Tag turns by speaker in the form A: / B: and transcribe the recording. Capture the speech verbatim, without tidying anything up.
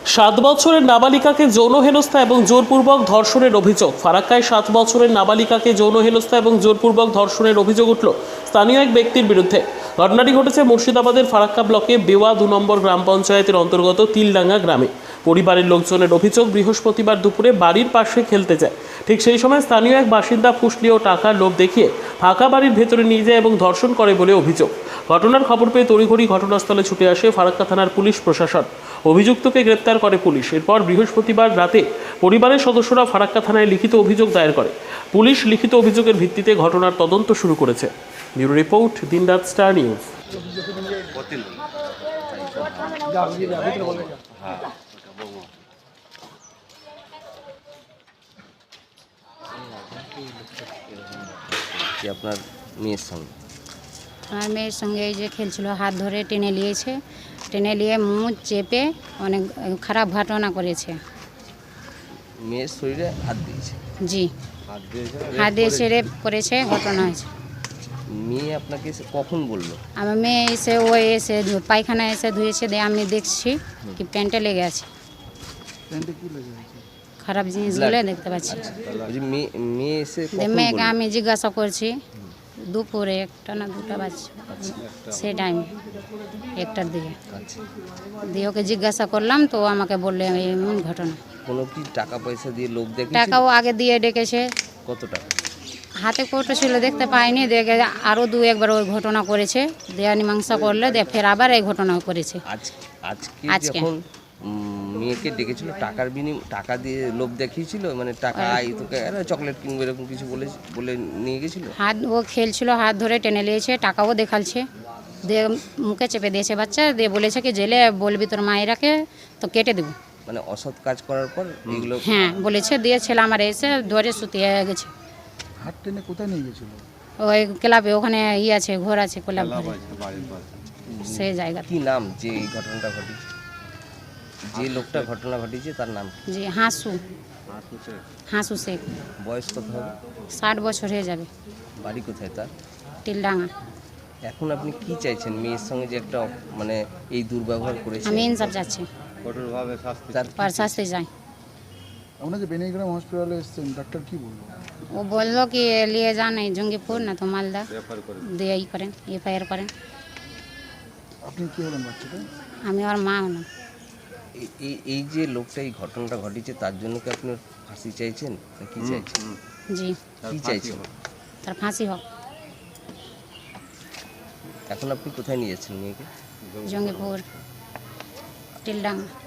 A: সাত বছরের নাবালিকাকে যৌন হেনস্থা এবং জোরপূর্বক ধর্ষণের অভিযোগ। ফারাক্কায় সাত বছরের নাবালিকাকে যৌন হেনস্থা এবং জোরপূর্বক ধর্ষণের অভিযোগ উঠল স্থানীয় এক ব্যক্তির বিরুদ্ধে। ঘটনাটি ঘটেছে মুর্শিদাবাদের ফারাক্কা ব্লকে বেওয়া দু নম্বর গ্রাম পঞ্চায়েতের অন্তর্গত তিলডাঙ্গা গ্রামে। পরিবারের লোকজনের অভিযোগ, বৃহস্পতিবার দুপুরে বাড়ির পাশে খেলতে যায়। ঠিক সেই সময় স্থানীয় এক বাসিন্দা ফুসলি ও টাকার লোভ দেখিয়ে ফাঁকা বাড়ির ভেতরে নিয়ে যায় এবং ধর্ষণ করে বলে অভিযোগ। ঘটনার খবর পেয়ে তড়িঘড়ি ঘটনাস্থলে ছুটে আসে ফারাক্কা থানার পুলিশ প্রশাসন। অভিযুক্তকে গ্রেপ্তার করে পুলিশ। এরপর বৃহস্পতিবার রাতে পরিবারের সদস্যরা ফারাক্কা থানায় লিখিত অভিযোগ দায়ের করে। পুলিশ লিখিত অভিযোগের ভিত্তিতে ঘটনার তদন্ত শুরু করেছে। ব্যুরো রিপোর্ট, দিনরাত স্টার নিউজ।
B: আপনার মেয়ের সঙ্গে
C: আমার মেয়ের সঙ্গে এই যে খেলছিল, হাত ধরে টেনে নিয়েছে, টেনে নিয়ে মুখ চেপে অনেক খারাপ ঘটনা করেছে।
B: মেয়ের শরীরে হাত দিয়েছে?
C: জি, হাত দিয়ে রেপ করেছে, ঘটনা হয়েছে।
B: মেয়ে আপনাকে এসে কখন বললো?
C: আমার মেয়ে এসে ও এসে পায়খানা এসে ধুয়েছে, দিয়ে আমি দেখছি কি প্যান্টে লেগে আছে, খারাপ জিনিসগুলো দেখতে পাচ্ছি।
B: মেয়ে মেয়ে এসে
C: মেয়েকে আমি জিজ্ঞাসা করছি দুপুরে একটা না দুটা বাজছে সেই টাইম একটার দিকে, দিয়ে ওকে জিজ্ঞাসা করলাম তো আমাকে বললে এমন ঘটনা।
B: কোনো কি টাকা পয়সা দিয়ে লোক দেখে?
C: টাকাও আগে দিয়ে ডেকেছে।
B: কত টাকা?
C: হাতে কৌটো ছিল, দেখতে পাইনি, দেখে আরও দু একবার ওই ঘটনা করেছে, দেয়া মীমাংসা করলে দিয়ে ফের আবার এই ঘটনা করেছে।
B: আজ আজকে যখন মেয়েকে ডেকেছিল টাকার বিনিময়, টাকা দিয়ে লোভ দেখিয়েছিল, মানে টাকা আই তোকে চকলেট কিনবে এরকম কিছু বলে বলে নিয়ে গেছিল? হাত
C: ও খেলছিল, হাত ধরে টেনে নিয়েছে, টাকাও দেখালছে, দিয়ে মুখে চেপে দিয়েছে বাচ্চা, দিয়ে বলেছে কি জেলে বলবি তোর মায়েরাকে তো কেটে দেবো।
B: মানে অসৎ কাজ করার পর এগুলো?
C: হ্যাঁ বলেছে, দিয়ে ছেলে আমার এসে ধরে শুতিয়ে গেছে।
D: হাত টেনে কোথায় নিয়ে গেছিল?
C: ওই ক্লাবে, ওখানে ই আছে, ঘর আছে ক্লাব, সেই জায়গা।
B: কি নাম যে এই ঘটনাটা ঘটেছে, যে লোকটা ঘটনা ঘটিয়েছে তার নাম?
C: জি, হাসু হাসু শেখ।
B: বয়স কত হবে?
C: ষাট বছর হয়ে যাবে।
B: বাড়ি কোথায় তার?
C: তিলডাঙ্গা।
B: এখন আপনি কি চাইছেন? মেয়ের সঙ্গে যে একটা মানে এই দুর্ব্যবহার করেছে,
C: আমি ইনসাফ চাচ্ছি,
B: কঠোরভাবে শাস্তি
C: তার শাস্তি চাই।
D: আপনার যে বেনিগ্রাম হসপিটালে এসেছেন, ডাক্তার কি বললো?
C: ও বললো কি নিয়ে যান এই জঙ্গিপুর না তো মালদা, দিয়ে ই করেন, এফআইআর করেন।
D: আপনি কি হলেন বাচ্চাটা?
C: আমি ওর মা হলাম।
B: এই এই যে লোকটা এই ঘটনাটা ঘটিয়েছে তার জন্য কি আপনি ফাঁসি চাইছেন না কি চাইছেন?
C: জি,
B: কি চাইছেন?
C: তার ফাঁসি হোক।
B: এখন আপনি কোথায় নিয়ে যাচ্ছেন মেয়েকে?
C: জঙ্গিপুর, তিলডাঙ্গা।